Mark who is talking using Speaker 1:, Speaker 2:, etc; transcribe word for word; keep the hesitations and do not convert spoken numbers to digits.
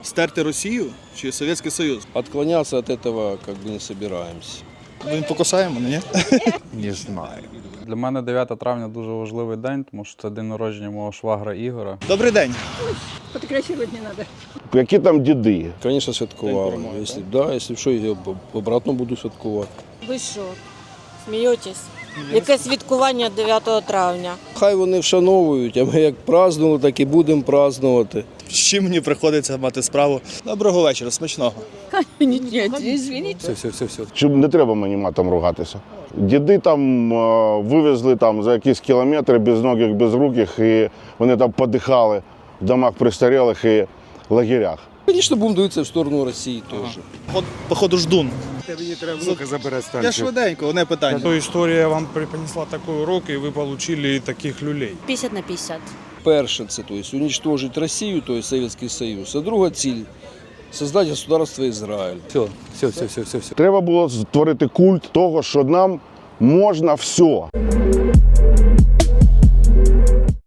Speaker 1: Стерти Росію чи Совєтський Союз?
Speaker 2: Отклоняться от этого как бы не собираемся.
Speaker 1: Ми покусаємо, ні?
Speaker 3: Не знаю.
Speaker 4: Для мене дев'яте травня дуже важливий день, тому що це день народження мого швагра Ігора.
Speaker 1: Добрий день.
Speaker 5: Фотографировать не надо.
Speaker 6: Які там діди?
Speaker 2: Конечно, святкували. Якщо, да, якщо що, я обратно буду святкувати.
Speaker 7: Ви що, смієтесь? Яке святкування дев'ятого травня?
Speaker 2: Хай вони вшановують, а ми як празднували, так і будемо празднувати.
Speaker 1: З чим мені приходиться мати справу? Доброго вечора, смачного.
Speaker 5: Нет, нет, извините.
Speaker 2: Все, все, все, все.
Speaker 6: Чи не треба мені матом ругатися? Діди там е, вивезли там за якісь кілометри безногих, безруких, і вони там подихали в домах престарілих і лагерях.
Speaker 2: Звісно, будемо дивитися в сторону Росії теж.
Speaker 1: Поход- Походу ждун.
Speaker 3: Мені треба внука забирати
Speaker 1: Я
Speaker 3: станцію.
Speaker 1: швиденько, одне питання.
Speaker 8: То історія вам принесла такий урок, і ви отримали таких люлей.
Speaker 7: п'ятдесят на п'ятдесят.
Speaker 2: Перше, це то есть, уничтожить Росію, то есть Совєтський Союз. А друга ціль – создати государство Ізраїль. Все, все, все, все, все, все.
Speaker 6: Треба було створити культ того, що нам можна все.